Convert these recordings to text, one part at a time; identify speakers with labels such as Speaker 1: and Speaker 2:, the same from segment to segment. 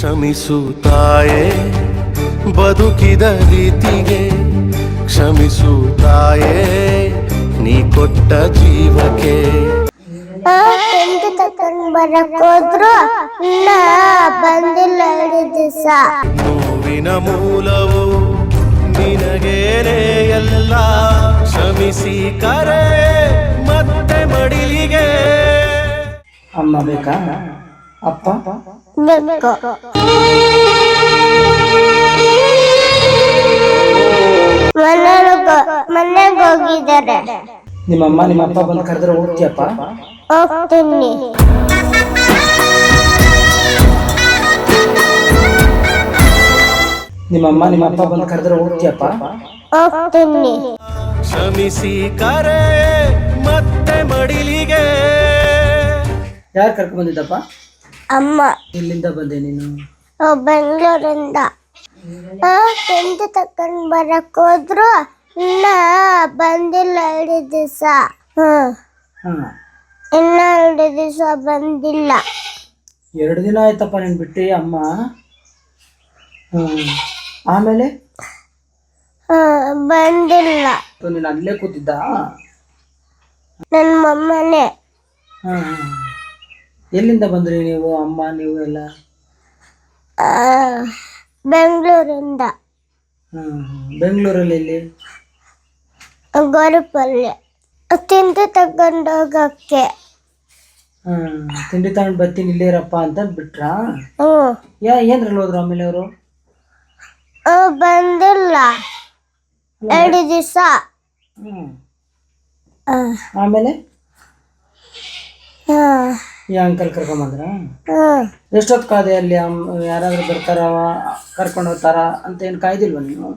Speaker 1: ಕ್ಷಮಿಸು ತಾಯೇ ಬದುಕಿದ ರೀತಿಗೆ, ಕ್ಷಮಿಸು ತಾಯೇ ನೀ ಕೊಟ್ಟ ಜೀವಕ್ಕೆ.
Speaker 2: ತಿಂಡಿ ತಕೊಂಡ್ ಬರಕ್ ಹೋದ್ರು ಬಂದಿಲ್ಲ 2 ದಿವಸ.
Speaker 1: ನೋವಿನ ಮೂಲವು ನಿನಗೇನೆ ಎಲ್ಲ, ಕ್ಷಮಿಸಿ ಕರೆ ಮತ್ತೆ ಮಡಿಲಿಗೆ.
Speaker 3: ಅಮ್ಮ ಬೇಕಾ ಅಪ್ಪ
Speaker 2: ಬೇಕು. ಮನೆಗೆ ಹೋಗಿದ್ದಾರೆ.
Speaker 3: ನಿಮ್ಮಮ್ಮ ನಿಮ್ಮ ಅಪ್ಪ ಬಂದು ಕರೆದ್ರೆ ಹೋಗ್ತೀಯಪ್ಪ?
Speaker 2: ಹೋಗ್ತೀನಿ.
Speaker 3: ನಿಮ್ಮಮ್ಮ ನಿಮ್ಮ ಅಪ್ಪ ಬಂದು ಕರೆದ್ರೆ ಹೋಗ್ತೀಯಪ್ಪ?
Speaker 2: ಹೋಗ್ತೀನಿ.
Speaker 1: ಕ್ಷಮಿಸಿ ಕರೆ ಮತ್ತೆ ಮಡಿಲಿಗೆ.
Speaker 3: ಯಾರು ಕರ್ಕೊಂಡ್ ಬಂದಿದ್ದಪ್ಪ?
Speaker 2: ಅಮ್ಮ.
Speaker 3: ಇಲ್ಲಿಂದ ಬಂದೆ ನೀನು?
Speaker 2: ಬೆಂಗಳೂರಿಂದ. ತಿಂಡಿ ತಕೊಂಡ್ ಬರಕ್ ಹೋದ್ರು ಬಂದಿಲ್ಲ 2 ದಿವಸ. ಇನ್ನ 2 ದಿವಸ ಬಂದಿಲ್ಲ.
Speaker 3: 2 ದಿನ ಆಯ್ತಪ್ಪ ನೀನು ಬಿಟ್ಟು ಅಮ್ಮ. ಆಮೇಲೆ
Speaker 2: ಬಂದಿಲ್ಲ.
Speaker 3: ನೀನು ಅಲ್ಲೇ ಕೂತಿದ್ದ?
Speaker 2: ನನ್ನ ಮಮ್ಮನೇ.
Speaker 3: ಎಲ್ಲಿಂದ ಬಂದ್ರಿ ನೀವು ಅಮ್ಮ ನೀವು ಎಲ್ಲ?
Speaker 2: ಬೆಂಗಳೂರಿಂದ.
Speaker 3: ಬೆಂಗಳೂರಲ್ಲಿ ಎಲ್ಲಿ?
Speaker 2: ಗೋರಿಪಲ್ಲೆ. ತಿಂಡಿ ತಗೊಂಡು ಹೋಗಕ್ಕೆ.
Speaker 3: ತಿಂಡಿ ತಗೊಂಡು ಬರ್ತೀನಿ ಇಲ್ಲೇರಪ್ಪ ಅಂತ ಬಿಟ್ರಾ? ಏನ್ರಲ್ಲಿ ಹೋದ್ರು ಆಮೇಲೆ ಅವರು?
Speaker 2: ಬಂದಿಲ್ಲ 2 ದಿವಸ.
Speaker 3: ಆಮೇಲೆ ಈ ಅಂಕಲ್ ಕರ್ಕೊಂಬಂದ್ರ? ಎಷ್ಟೊತ್ತು ಕಾದೆ ಅಲ್ಲಿ? ಯಾರಾದ್ರೂ ಬರ್ತಾರ ಕರ್ಕೊಂಡು ಹೋಗ್ತಾರ ಅಂತ ಏನು ಕಾಯ್ದಿಲ್ವ ನೀನು?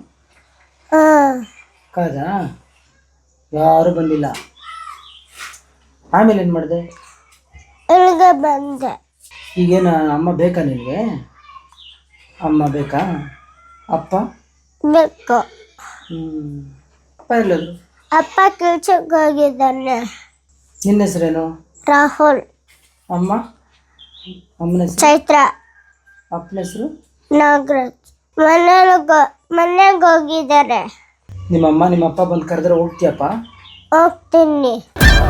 Speaker 3: ಕಾದ? ಯಾರು ಬಂದಿಲ್ಲ. ಆಮೇಲೆ ಏನು ಮಾಡಿದೆ?
Speaker 2: ಇಲ್ಲಿಗೆ ಬಂದೆ.
Speaker 3: ಈಗೇನು ಅಮ್ಮ ಬೇಕಾ ನಿನಗೆ? ಅಮ್ಮ ಬೇಕಾ? ಅಪ್ಪ
Speaker 2: ಬೇಕು.
Speaker 3: ಅಪ್ಪ ಎಲ್ಲದು?
Speaker 2: ಅಪ್ಪ ಕೆಲ್ಸಕ್ಕೆ ಹೋಗಿದ್ದಾನೆ.
Speaker 3: ನಿನ್ನ ಹೆಸರೇನು?
Speaker 2: ರಾಹುಲ್.
Speaker 3: ಅಮ್ಮ? ಅಮ್ಮನ ಹೆಸರು?
Speaker 2: ಚೈತ್ರ.
Speaker 3: ಅಪ್ಪನ ಹೆಸರು?
Speaker 2: ನಾಗರಾಜ್. ಮನೆಗೆ ಹೋಗಿದ್ದಾರೆ.
Speaker 3: ನಿಮ್ಮಮ್ಮ ನಿಮ್ಮ ಅಪ್ಪ ಬಂದು ಕರೆದ್ರೆ ಹೋಗ್ತೀಯಪ್ಪ?
Speaker 2: ಹೋಗ್ತೀನಿ.